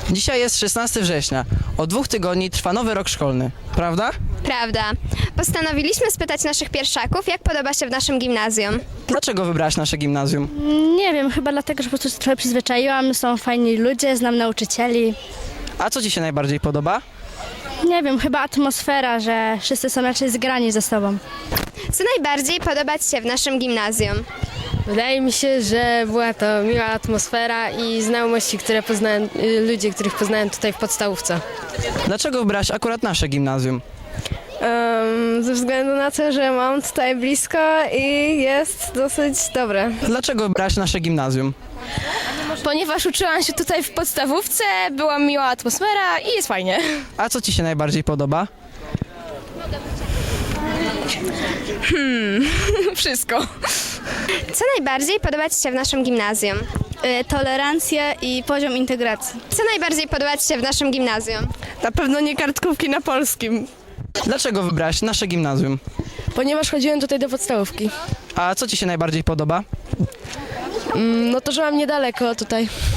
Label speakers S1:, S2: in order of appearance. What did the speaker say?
S1: Dzisiaj jest 16 września. Od 2 tygodni trwa nowy rok szkolny. Prawda?
S2: Prawda. Postanowiliśmy spytać naszych pierwszaków, jak podoba się w naszym gimnazjum.
S1: Dlaczego wybrałaś nasze gimnazjum?
S3: Nie wiem, chyba dlatego, że po prostu się trochę przyzwyczaiłam, są fajni ludzie, znam nauczycieli.
S1: A co ci się najbardziej podoba?
S3: Nie wiem, chyba atmosfera, że wszyscy są raczej zgrani ze sobą.
S2: Co najbardziej podoba Ci się w naszym gimnazjum?
S4: Wydaje mi się, że była to miła atmosfera i znajomości, które poznałem, ludzie, których poznałem tutaj w podstawówce.
S1: Dlaczego wybrałaś akurat nasze gimnazjum?
S4: Ze względu na to, że mam tutaj blisko i jest dosyć dobre.
S1: Dlaczego wybrałaś nasze gimnazjum?
S5: Ponieważ uczyłam się tutaj w podstawówce, była miła atmosfera i jest fajnie.
S1: A co ci się najbardziej podoba?
S5: Wszystko.
S2: Co najbardziej podoba Ci się w naszym gimnazjum?
S3: Tolerancja i poziom integracji.
S2: Co najbardziej podoba Ci się w naszym gimnazjum?
S4: Na pewno nie kartkówki na polskim,
S1: Dlaczego wybrałaś nasze gimnazjum?
S4: ponieważ chodziłem tutaj do podstawówki.
S1: A co ci się najbardziej podoba?
S4: No to, że mam niedaleko tutaj.